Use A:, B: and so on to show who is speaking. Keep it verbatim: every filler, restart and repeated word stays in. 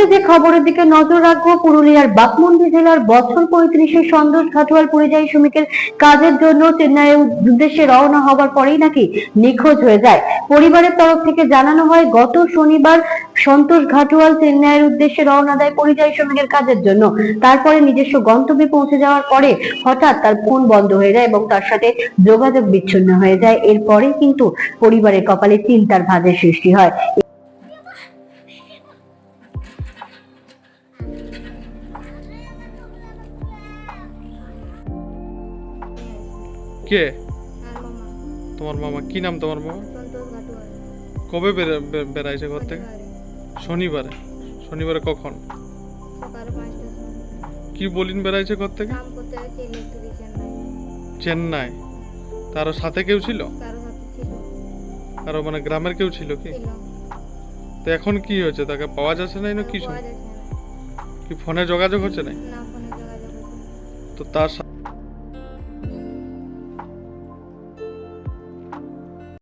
A: মুহূর্তে যে খবরের দিকে নজর রাখবো, পুরুলিয়ার বাঘমুন্ডি জেলার বছর পঁয়ত্রিশে সন্তোষ ঘাটুয়াল পরিযায়ী শ্রমিকের কাজের জন্য চেন্নাইয়ের উদ্দেশ্যে রওনা হবার পরেই নাকি নিখোঁজ হয়ে যায়। পরিবারের তরফ থেকে জানানো হয়, গত শনিবার সন্তোষ ঘাটুয়াল চেন্নাইয়ের উদ্দেশ্যে রওনা দেয় পরিযায়ী শ্রমিকের কাজের জন্য। তারপরে নিজস্ব গন্তব্যে পৌঁছে যাওয়ার পরে হঠাৎ তার ফোন বন্ধ হয়ে যায় এবং তার সাথে যোগাযোগ বিচ্ছিন্ন হয়ে যায়। এরপরে কিন্তু পরিবারের কপালে চিন্তার ভাঁজের সৃষ্টি হয়।
B: কে
C: আর মামা
B: তোমার মামা? কি নাম তোমার মামা?
C: সন্তোষ ঘাটুয়াল।
B: কবে বের- বে- বেড়াইছে ঘর থেকে?
C: শনিবারে
B: শনিবারে। শনিবারে কখন?
C: সকাল পাঁচটার সময়
B: কি বলিন বেড়াইছে ঘর থেকে?
C: কাম করতে গেছে ইলেকট্রিশিয়ান লাইনে।
B: চেন্নাই। তার সাথে কেউ ছিল?
C: কারো সাথে ছিল
B: আর মানে গ্রামের কেউ ছিল কি?
C: ছিল
B: তো এখন কি হয়েছে? তাকে পাওয়া যাচ্ছে না না কিছু?
C: পাওয়া যাচ্ছে না।
B: কি ফোনে যোগাযোগ হচ্ছে না?
C: না ফোনে যোগাযোগ হচ্ছে না।
B: তো তার সা-